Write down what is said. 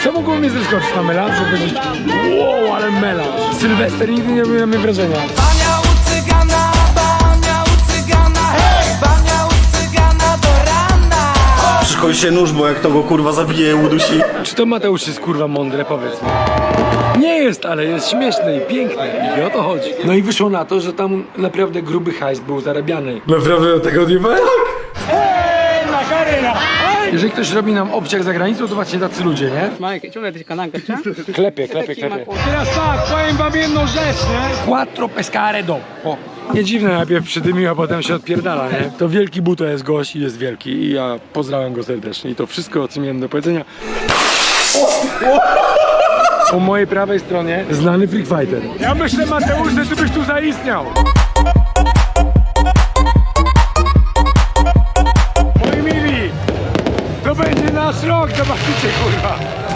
Co mogło mnie zaskoczyć na melanż, żeby powiedzieć wow, ale melanż. Sylwester nigdy nie robił na mnie wrażenia. Bania u cygana, hej! Bania u cygana do rana. Przychodzi się nóż, bo jak to go kurwa zabije, udusi. Czy to Mateusz jest kurwa mądre, powiedz mi. Nie jest, ale jest śmieszne i piękne i o to chodzi. No i wyszło na to, że tam naprawdę gruby hajs był zarabiany. Naprawdę tego nie tak? Jeżeli ktoś robi nam obciach za granicą, to właśnie tacy ludzie, nie? Klepie. Teraz tak, powiem wam jedną rzecz, nie? Quattro pescare dopo. Nie dziwne, najpierw przydymił, a potem się odpierdala, nie? To wielki buto jest gość i jest wielki i ja pozdrawiam go serdecznie. I to wszystko, co miałem do powiedzenia. Po mojej prawej stronie znany freak fighter. Ja myślę, Mateusz, że ty byś tu zaistniał. Moi mili, to będzie nasz rok, zobaczycie, kurwa.